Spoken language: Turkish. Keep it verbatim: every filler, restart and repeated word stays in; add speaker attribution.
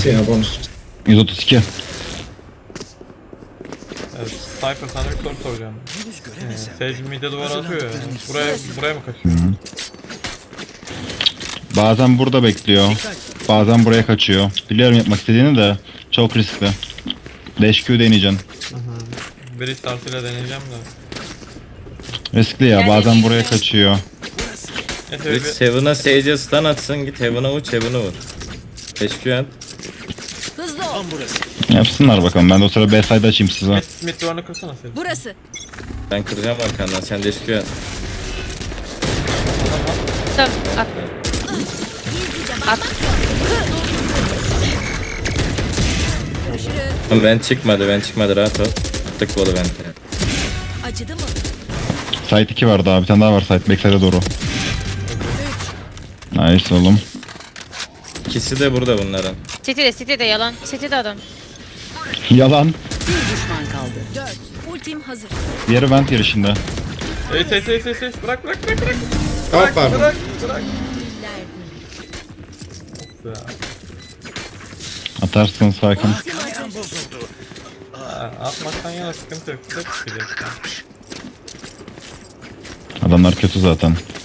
Speaker 1: kaçıyor ya bonus.
Speaker 2: yüz otuz iki.
Speaker 3: Evet, Cypher sana bir soru soracağım. Ee, Sage mid'e duvar atıyor ya. Buraya, buraya mı kaçıyor?
Speaker 2: Bazen burada bekliyor. Bazen buraya kaçıyor. Biliyorum yapmak istediğini de çok riskli. Dash Q deneyeceksin.
Speaker 3: Bir startıyla deneyeceğim de.
Speaker 2: Riskli ya, bazen buraya kaçıyor.
Speaker 3: Neyse
Speaker 4: Git
Speaker 3: bir...
Speaker 4: Heaven'a Sage'e stun atsın, git Heaven'a uç, Heaven'a vur. Teşekkür et.
Speaker 5: Hızlı ol.
Speaker 2: Yapsınlar bakalım, ben de o sırada B side açayım size.
Speaker 3: Mid, mid duvarını kırsana Sage.
Speaker 5: Burası.
Speaker 4: Ben kıracağım arkandan, sen teşekkür et.
Speaker 6: Tamam at. At.
Speaker 4: Ama ben çıkmadı, ben çıkmadı, rahat ol. Tık bolu ben.
Speaker 5: Acıdı mı?
Speaker 2: Side iki var daha, bir tane daha var side backside'e doğru. Nice oğlum.
Speaker 4: İkisi de burada bunların.
Speaker 6: City'de City'de yalan. City'de adam.
Speaker 2: Yalan.
Speaker 5: Bir düşman kaldı. Dört. Ultim hazır.
Speaker 2: Diğeri vent girişinde.
Speaker 3: Ey Sage Sage Sage Sage bırak bırak bırak bırak.
Speaker 1: Tamam pardon.
Speaker 3: Bırak bırak. Ya.
Speaker 2: Atarsın sakin.
Speaker 3: Ha, atmaktan yana sıkıntı yok. Tek çıkacak.
Speaker 2: Adamlar kötü zaten.